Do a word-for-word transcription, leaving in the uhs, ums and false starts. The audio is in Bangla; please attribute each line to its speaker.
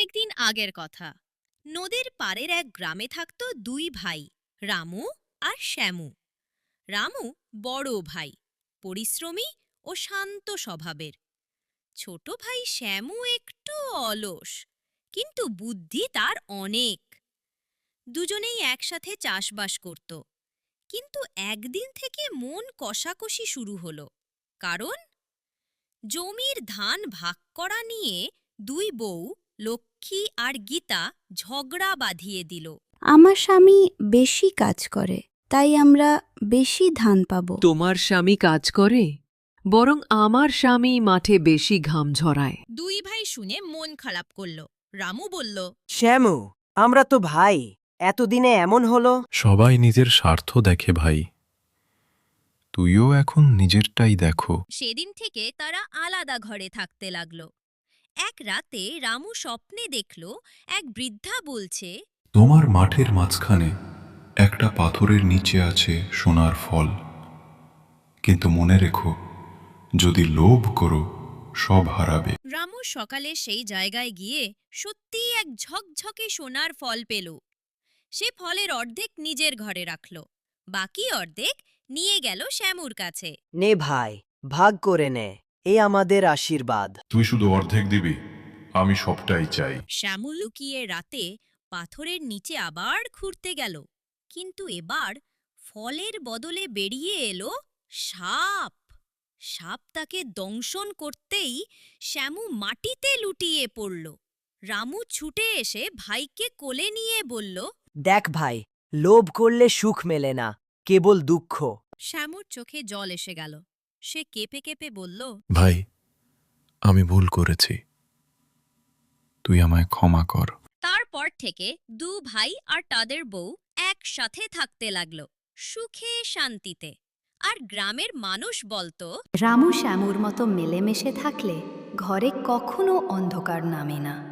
Speaker 1: অনেকদিন আগের কথা। নদীর পাড়ের এক গ্রামে থাকত দুই ভাই, রামু আর শ্যামু। রামু বড় ভাই, পরিশ্রমী ও শান্ত স্বভাবের। ছোট ভাই শ্যামু একটু অলস, কিন্তু বুদ্ধি তার অনেক। দুজনেই একসাথে চাষবাস করত, কিন্তু একদিন থেকে মন কষাকষি শুরু হলো। কারণ জমির ধান ভাগ করা নিয়ে দুই বউ লক্ষ্মী আর গীতা ঝগড়া বাঁধিয়ে দিল।
Speaker 2: আমার স্বামী বেশি কাজ করে, তাই আমরা বেশি ধান পাবো।
Speaker 3: তোমার স্বামী কাজ করে, বরং আমার স্বামী মাঠে বেশি ঘাম ঝরায়।
Speaker 1: দুই ভাই শুনে মন খারাপ করল। রামু বলল,
Speaker 4: শ্যামু, আমরা তো ভাই, এতদিনে এমন হলো।
Speaker 5: সবাই নিজের স্বার্থ দেখে ভাই, তুইও এখন নিজেরটাই দেখো।
Speaker 1: সেদিন থেকে তারা আলাদা ঘরে থাকতে লাগল। এক রাতে রামু স্বপ্নে দেখল এক বৃদ্ধা বলছে,
Speaker 5: তোমার মাঠের মাঝখানে একটা পাথরের নিচে আছে সোনার ফল, কিন্তু মনে রেখো, যদি লোভ করো সব হারাবে।
Speaker 1: রামু সকালে সেই জায়গায় গিয়ে সত্যিই এক ঝকঝকে সোনার ফল পেল। সে ফলের অর্ধেক নিজের ঘরে রাখল, বাকি অর্ধেক নিয়ে গেল শ্যামুর কাছে।
Speaker 4: নে ভাই, ভাগ করে নে, এ আমাদের আশীর্বাদ।
Speaker 5: তুই শুধু অর্ধেক দিবি, আমি সবটাই চাই।
Speaker 1: শ্যামু লুকিয়ে রাতে পাথরের নিচে আবার খুঁড়তে গেল, কিন্তু এবার ফলের বদলে বেরিয়ে এলো সাপ। সাপ তাকে দংশন করতেই শ্যামু মাটিতে লুটিয়ে পড়ল। রামু ছুটে এসে ভাইকে কোলে নিয়ে বলল,
Speaker 4: দেখ ভাই, লোভ করলে সুখ মেলে না, কেবল দুঃখ।
Speaker 1: শ্যামুর চোখে জল এসে গেল। সে কেঁপে কেঁপে বলল,
Speaker 5: ভাই, আমি ভুল করেছি, তুই আমায় ক্ষমা কর।
Speaker 1: তারপর থেকে দু ভাই আর তাদের বউ একসাথে থাকতে লাগলো, সুখে শান্তিতে। আর গ্রামের মানুষ বলতো,
Speaker 2: রামু শ্যামুর মতো মিলেমিশে থাকলে ঘরে কখনো অন্ধকার নামে না।